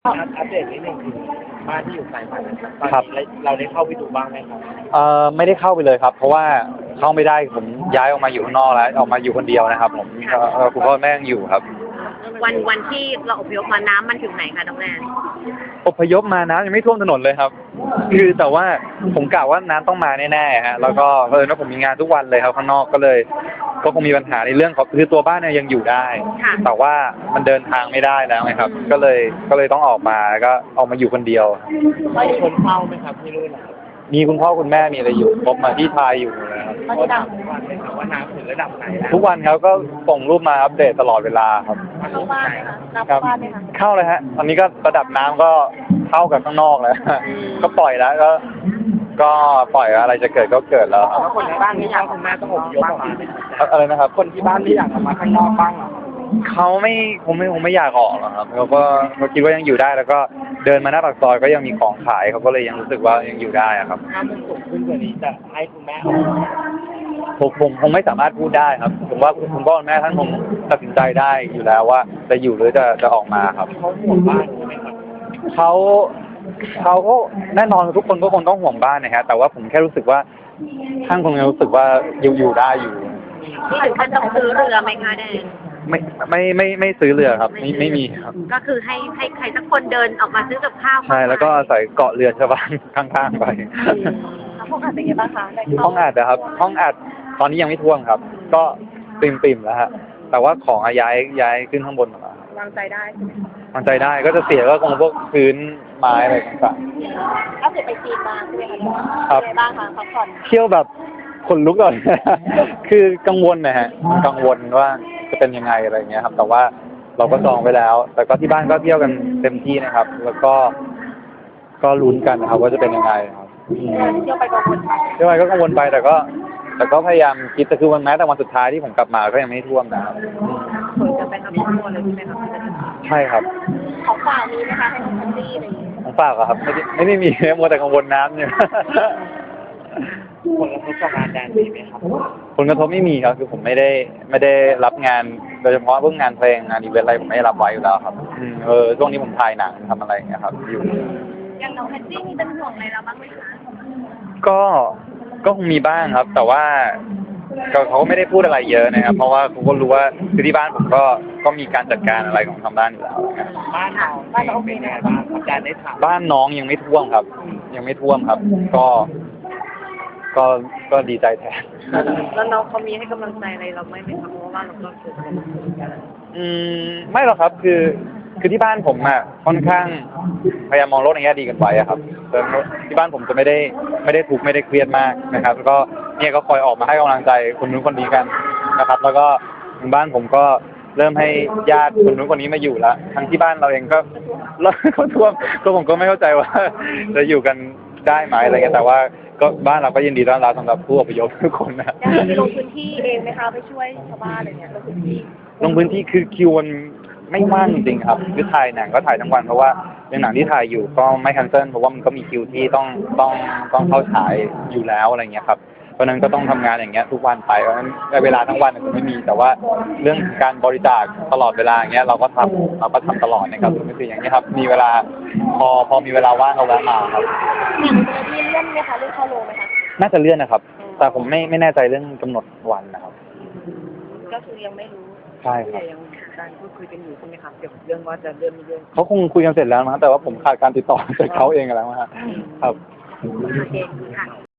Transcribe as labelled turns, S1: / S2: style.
S1: อัปเดตนิดนึงคือบ้านที่อยู่สายพันธุ์นะครับตอนนี้เราได้เข้าไปดูบ้างไหมครับ
S2: ไม่ได้เข้าไปเลยครับเพราะว่าเข้าไม่ได้ผมย้ายออกมาอยู่ข้างนอกแล้วออกมาอยู่คนเดียวนะครับผมคุณพ่อแม่ยังอยู่ครับ
S3: วันที่เราอพยพมาน้ำมันถึงไหนคะน้องแนน
S2: อพยพมาน้ำยังไม่ท่วมถนนเลยครับคือแต่ว่าผมกะว่าน้ำต้องมาแน่ๆฮะแล้วก็ว่าผมมีงานทุกวันเลยครับข้างนอกก็เลยก็คงมีปัญหาในเรื่องของคือตัวบ้านเนี่ยยังอยู่ได้แต่ว่ามันเดินทางไม่ได้แล้วไงครับก็เลยต้องออกมาก็ออกมาอยู่คนเดียว
S1: มีคนเฝ้าไหมครับที่นู่นนะครับ
S2: มีคุณพ่อคุณแม่มีอะไรอยู่ครบมาที่ไทยอยู่นะครับ
S1: เขาถามทุกวันเลยครับว่าน้ำถึงระดับไหนแล้ว
S2: ทุกวันเขาก็ส่งรูปมาอัปเดตตลอดเวลาครับ
S3: เข้าบ้านไหมคะเข้าบ้านไหมคะ
S2: เข้าเลยฮะตอนนี้ก็ระดับน้ำก็เท่ากับข้างนอกแล้วก็ปล่อยแล้วก็ปล่อยอะไรจะเกิดก็เกิดแล้วครับ
S1: แล้วคนที่บ้านที่อยากคุณแม่ต้องอพยพออกมา
S2: อะไรนะครับ
S1: คนที่บ้านที่อยากออกมาข้างนอกบ้าง
S2: เขาคงไม่อยากออกหรอกครับเขาคิดว่ายังอยู่ได้แล้วก็เดินมาหน้าปากซอยก็ยังมีของขายเขาก็เลยยังรู้สึกว่ายังอยู่ได้ครับ
S1: ถ้ามันสูงขึ้นกว่านี้จะให้คุณแม่ออกมา
S2: ผมคงไม่สามารถพูดได้ครับผมว่าคุณพ่อคุณแม่ท่านคงตัดสินใจได้อยู่แล้วว่าจะอยู่หรือจะออกมาครับ
S1: เขาห่วงบ้านใช่ไหมครับ
S2: เขาก็แน่นอนทุกคนก็คงต้องห่วงบ้านนะฮะแต่ว่าผมแค่รู้สึกว่าท่านคงรู้สึกว่าอยู่ได้อยู่
S3: ที่ถึงขั้นต้องซื้อเรือไหมคะแดง
S2: ไม่ซื้อเรือครับไม่มีครับ
S3: ก็คือให้ใครสักคนเดินออกมาซื้อกับข้าว
S2: ใช่แล้วก็อาศัยเกาะเรือชาวบ้านข้างๆไป
S3: ห้องอัดเป็นไงบ้างคะ
S2: ห้องอัดนะครับห้องอัดตอนนี้ยังไม่ท่วมครับก็ปิ่มแล้วฮะแต่ว่าของย้ายขึ้นข้างบนมาว
S3: างใจได้ใช่ไหม
S2: วางใจได้ก็จะเสียก็คงพวกพื้นไม้อะไรต่าง
S3: ๆถ้าเสร็จไปจีนมาใช่ไหมคะ
S2: ครับ
S3: เป็นไงบ้างคะพักผ่อน
S2: เที่ยวแบบขนลุกเลยคือกังวลนะฮะกังวลว่าจะเป็นยังไงอะไรเงี้ยครับแต่ว่าเราก็จองไว้แล้วแต่ก็ที่บ้านก็เที่ยวกันเต็มที่นะครับแล้วก็ลุ้นกันนะครับว่าจะเป็นยังไงครับ
S3: เที่ยวไปกังวลไป
S2: เที่ยวไปก็กังวลไปแต่ก็พยายามคิดแต่คือวันแม้แต่วันสุดท้ายที่ผมกลับมาก็ยังไม่ท่วมนะครับ
S3: ควรจะเป็นทั้งครอบครัวเลยใช่ไหมครับ
S2: ใช่ครับ
S3: ของฝากมีไหมคะให้น้องพันตี้อะไรอย่างนี้
S2: ของฝากครับไม่ได้มีมัวแต่กังวลน้ำเนี่ย
S1: ผลกระทบกับงานแดนมีไหมครับ
S2: ผลกระทบไม่มีครับคือผมไม่ได้รับงานโดยเฉพาะเรื่องงานเพลงงานอีเวนต์อะไรผมไม่ได้รับไว้อยู่แล้วครับช่วงนี้ผมถ่ายหนังทำอะไรอย่างเงี้ยครับอยู่
S3: อย่างน้องแพตตี้มีเป็นห่วงอะไรเราบ้างไหมคะ
S2: ก็คงมีบ้างครับแต่ว่าเขาก็ไม่ได้พูดอะไรเยอะนะครับเพราะว่าเขาก็รู้ว่าคือที่บ้านผมก็มีการจัดการอะไรของทางบ้านอยู่แล้ว
S1: บ้านน้องเป็นไงบ้างอาจารย์ได้ถาม
S2: บ้านน้องยังไม่ท่วมครับยังไม่ท่วมครับก็ดีใจแทน
S3: แล้วน้องเขามีให้กำลังใจอะไรเราไหมครับเพราะว่าเราก็เกิด
S2: ไม่หรอกครับคือที่บ้านผมอ่ะค่อนข้างพยายามมองโลกในแง่ดีกันไว้อะครับที่บ้านผมจะไม่ได้ทุกข์ไม่ได้เครียดมากนะครับแล้วก็เนี่ยก็คอยออกมาให้กำลังใจคนนู้นคนนี้กันนะครับแล้วก็ทางบ้านผมก็เริ่มให้ญาติคนนู้นคนนี้มาอยู่แล้วทั้งที่บ้านเราเองก็ท่วมก็ผมก็ไม่เข้าใจว่าจะอยู่กันได้ไหมอะไรเงี้ยแต่ว่าก็บ้านเราก็ยินดีต้อนรับสำหรับผู้อพยพทุกคนนะ
S3: ลงพื้นที่เองไหมคะไปช่วยชาวบ้านอะไรเงี้ยลงพื้น
S2: ที่คือคิวมันไม่ว่างจริงๆครับคือถ่ายหนังก็ถ่ายทั้งวันเพราะว่าเป็นหนังที่ถ่ายอยู่ก็ไม่แคนเซิลเพราะว่ามันก็มีคิวที่ต้องเข้าฉายอยู่แล้วอะไรเงี้ยครับเพราะนั้นก็ต้องทำงานอย่างเงี้ยทุกวันไปเพราะนั้นเวลาทั้งวันจะไม่มีแต่ว่าเรื่องการบริจาคตลอดเวลาอย่างเงี้ยเราก็ทำตลอดนะครับก็คืออย่างเงี้ยครับมีเวลาพอมีเวลาว่างเราแวะมาครับ
S3: อย่างมีเลื่อนไหมคะเลื่อนเข้าโรงไหมคะ
S2: น่าจะเลื่อนนะครับแต่ผมไม่แน่ใจเรื่องกำหนดวันนะครับ
S3: ก็คือยังไม่รู้
S2: ใช่ครับ
S3: การพูดคุยกันอยู่ใช่ไหมครับเกี่ยวกับเรื่องว่าจะเลื่อนไม่เลื่อน
S2: เขาคงคุยกันเสร็จแล้วนะแต่ว่าผมขาดการติดต่อจากเขาเองแล้วครับ
S3: โอเคค่ะ